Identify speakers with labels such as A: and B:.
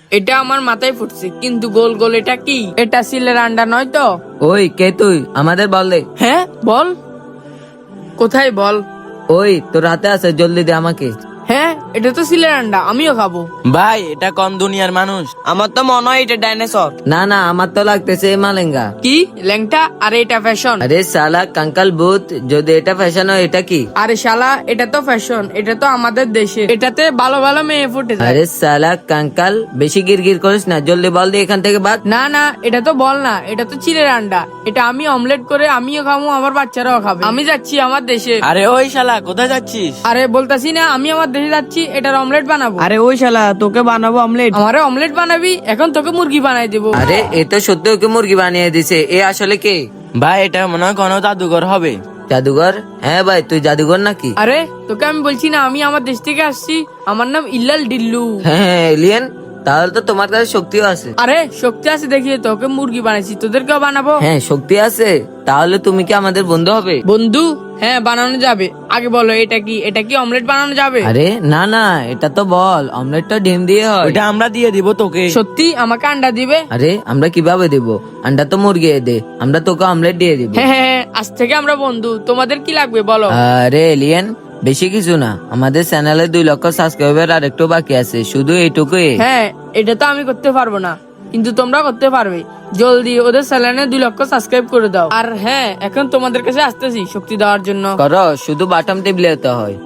A: এটা আমার মাথায় ফুটছে, কিন্তু গোল গোল এটা কি? এটা সিলের আন্ডা নয় তো?
B: ওই কে তুই? আমাদের বল দে।
A: হ্যাঁ বল, কোথায় বল?
B: ওই তোর হাতে আছে, জলদি দে আমাকে।
A: হ্যাঁ এটা তো সিলের আন্ডা, আমিও খাবো।
C: ভাই এটা কোন দুনিয়ার মানুষ? আমার তো মনে হয় এটা ডাইনোসর।
B: না না, আমার তো লাগতেছে এই মালেঙ্গা।
A: কি ল্যাংটা? আরে এটা ফ্যাশন।
B: আরে সালা কাঙ্কাল ভূত, যদি এটা ফ্যাশন হয় এটা কি?
A: আরে শালা, এটা তো ফ্যাশন, এটা তো আমাদের দেশে, এটাতে ভালো ভালো মেয়ে ফুটে যায়।
B: আরে সালা কাঙ্কাল, বেশি গিরগির করিস না, জলদি বল দে এখান থেকে বাদ।
A: না না, এটা তো বল না, এটা তো চিলের আন্ডা। এটা আমি অমলেট করে আমিও খাবো, আমার বাচ্চারাও খাবে। আমি যাচ্ছি আমার দেশে।
C: আরে ওই শালা কোথায় যাচ্ছিস?
A: আরে বলতাছি না, আমি আমার দেশে যাচ্ছি, এটার অমলেট বানাবো।
C: আরে ওই শালা তোকে বানাবো অমলেট।
A: আমারে অমলেট বানাবি? এখন তোকে মুরগি বানাই দেবো।
B: আরে এ তো সত্যি ওকে মুরগি বানিয়ে দিছে। এ আসলে কে?
C: ভাই এটা মনে হয় কোনো জাদুঘর হবে।
B: জাদুঘর? হ্যাঁ ভাই, তুই জাদুঘর নাকি?
A: আরে তোকে আমি বলছি না, আমি আমার দেশ থেকে আসছি, আমার নাম ইল্লাল ডিল্লু।
B: হ্যাঁ এলিয়েন, তাহলে তো তোমার কাছে শক্তিও আছে।
A: আরে শক্তি আছে দেখিয়ে তোকে মুরগি বানাইছি, তোদেরকেও বানাবো।
B: হ্যাঁ শক্তি আছে, তাহলে তুমি কি আমাদের বন্ধু হবে?
A: বন্ধু? হ্যাঁ বানানো যাবে। আগে বলো এটা কি? এটা কি অমলেট বানানো যাবে?
B: আরে না না, এটা তো বল, অমলেটটা ডিম দিয়ে হয়।
C: ওটা আমরা দিয়ে দিব তোকে।
A: সত্যি আমাকে আন্ডা দিবে?
B: আরে আমরা কিভাবে দেব? আন্ডা তো মুরগি দে, আমরা তোকে অমলেট দিয়ে দিব।
A: হ্যাঁ হ্যাঁ, আজ থেকে আমরা বন্ধু। তোমাদের কি লাগবে বলো?
B: আরে এলিয়েন, বেশি কিছু না, আমাদের চ্যানেলে 2 লক্ষ সাবস্ক্রাইবার আর একটু বাকি আছে, শুধু এইটুকুই।
A: হ্যাঁ এটা তো আমি করতে পারবো না, কিন্তু তোমরা করতে পারবে। জলদি ওদের চ্যানেলে 2 লক্ষ সাবস্ক্রাইব করে দাও। আর হ্যাঁ, এখন তোমাদের কাছে আসতেছি শক্তি দেওয়ার জন্য।
B: করো, শুধু বাটন টিপলে তো হয়।